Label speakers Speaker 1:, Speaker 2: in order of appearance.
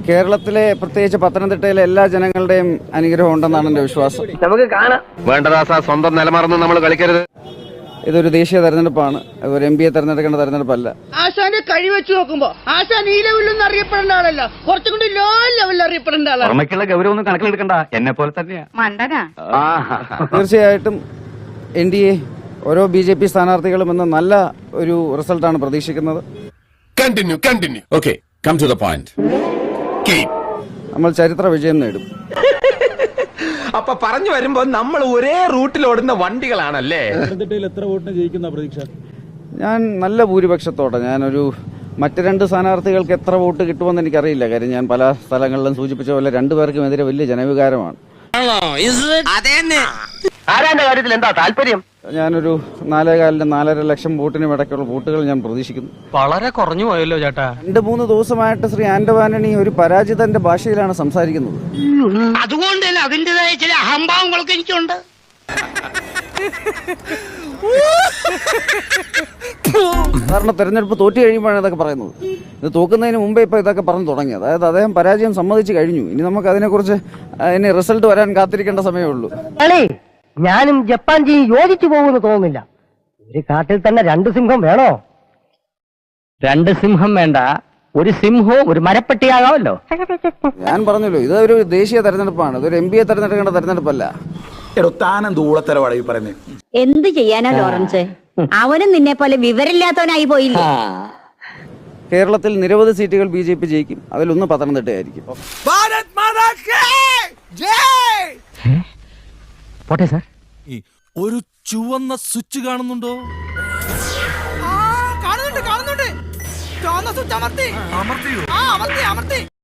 Speaker 1: കേരളത്തിലെ പ്രത്യേകിച്ച് പത്തനംതിട്ടയിലെ എല്ലാ ജനങ്ങളുടെയും അനുഗ്രഹം ഉണ്ടെന്നാണ് എൻ്റെ വിശ്വാസം.
Speaker 2: നമുക്ക് കാണാം. വേണ്ടദാസ സ്വന്തം നിലമറന്ന് നമ്മൾ കളിക്കരുത്.
Speaker 1: ഇതൊരു ദേശീയ തെരഞ്ഞെടുപ്പാണ്, ഒരു MP യെ തെരഞ്ഞെടുക്കേണ്ട തെരഞ്ഞെടുപ്പല്ല.
Speaker 3: ആശാന്റെ കഴി വെച്ച് നോക്കുമ്പോ ആശാൻ ഈ ലെവലിലൊന്നും അറിയപ്പെടേണ്ട ആളല്ല, കുറച്ചും കൂടി ലോ ലെവലിൽ അറിയപ്പെടേണ്ട ആളാണ്.
Speaker 2: അമ്മയ്ക്കുള്ള ഗൗരവം ഒന്നും കണക്കിലെടുക്കണ്ട, എന്നെ പോലെ തന്നെയാ.
Speaker 1: തീർച്ചയായിട്ടും NDA ഓരോ BJP സ്ഥാനാർത്ഥികളും എന്ന നല്ല ഒരു റിസൾട്ടാണ് പ്രതീക്ഷിക്കുന്നത്. നമ്മൾ ചരിത്ര വിജയം നേടും.
Speaker 4: അപ്പൊ പറഞ്ഞു വരുമ്പോ നമ്മൾ ഒരേ റൂട്ടിൽ ഓടുന്ന വണ്ടികളാണല്ലേ.
Speaker 5: എത്ര വോട്ടിന് ജയിക്കുന്ന പ്രതീക്ഷ?
Speaker 1: ഞാൻ നല്ല ഭൂരിപക്ഷത്തോടെ, ഞാനൊരു മറ്റ് രണ്ട് സ്ഥാനാർത്ഥികൾക്ക് എത്ര വോട്ട് കിട്ടുമെന്ന് എനിക്കറിയില്ല. കാര്യം ഞാൻ പല സ്ഥലങ്ങളിലും സൂചിപ്പിച്ച പോലെ രണ്ടുപേർക്കും എതിരെ വലിയ ജനവികാരമാണ്.
Speaker 2: ആരാന്റെ കാര്യത്തിൽ എന്താ താല്പര്യം?
Speaker 1: ഞാനൊരു 4.4 ലക്ഷം വോട്ടിനും ഇടയ്ക്കുള്ള വോട്ടുകൾ ഞാൻ പ്രതീക്ഷിക്കുന്നു.
Speaker 6: വളരെ കുറഞ്ഞു പോയല്ലോ ചേട്ടാ.
Speaker 1: 2-3 ദിവസമായിട്ട് ശ്രീ ആന്റോ ആന്റണി ഒരു പരാജിതന്റെ ഭാഷയിലാണ് സംസാരിക്കുന്നത്.
Speaker 3: അതുകൊണ്ട് തന്നെ അതിന്റേതായ ചില അഹംഭാവങ്ങളൊക്കെ എനിക്കുണ്ട്.
Speaker 1: സാധാരണ തെരഞ്ഞെടുപ്പ് തോറ്റു കഴിയുമ്പോഴാണ് ഇതൊക്കെ പറയുന്നത്. ഇത് തോക്കുന്നതിന് മുമ്പേ ഇപ്പൊ ഇതൊക്കെ പറഞ്ഞു തുടങ്ങി. അതായത് അദ്ദേഹം പരാജയം സമ്മതിച്ചു കഴിഞ്ഞു. ഇനി നമുക്ക് അതിനെക്കുറിച്ച് ഇനി റിസൾട്ട് വരാൻ കാത്തിരിക്കേണ്ട സമയമേ ഉള്ളൂ.
Speaker 7: ഞാനും ജപ്പാൻ യോജിച്ചു പോകുമെന്ന് തോന്നുന്നില്ല. ഒരു കാട്ടിൽ തന്നെ 2 സിംഹം വേണോ? 2 സിംഹം വേണ്ട, ഒരു സിംഹവും ഒരു മരപ്പട്ടിയാകാമല്ലോ.
Speaker 1: ഞാൻ പറഞ്ഞല്ലോ, ഇതൊരു ദേശീയ തെരഞ്ഞെടുപ്പാണ്, ഇതൊരു MP യെ തെരഞ്ഞെടുക്കേണ്ട തെരഞ്ഞെടുപ്പല്ല.
Speaker 8: എന്ത് ചെയ്യാനാ ലോറൻസ്? അവനും നിന്നെ പോലെ വിവരമില്ലാത്തവനായി പോയില്ല.
Speaker 1: കേരളത്തിൽ നിരവധി സീറ്റുകൾ BJP ജയിക്കും. അതിലൊന്ന് പത്തനംതിട്ടയായിരിക്കും.
Speaker 7: പോട്ടെ സാർ.
Speaker 5: ഒരു ചുവന്ന സ്വിച്ച് കാണുന്നുണ്ടോ?
Speaker 3: കാണുന്നുണ്ട്. ചുവന്ന സ്വിച്ച് അമർത്തി.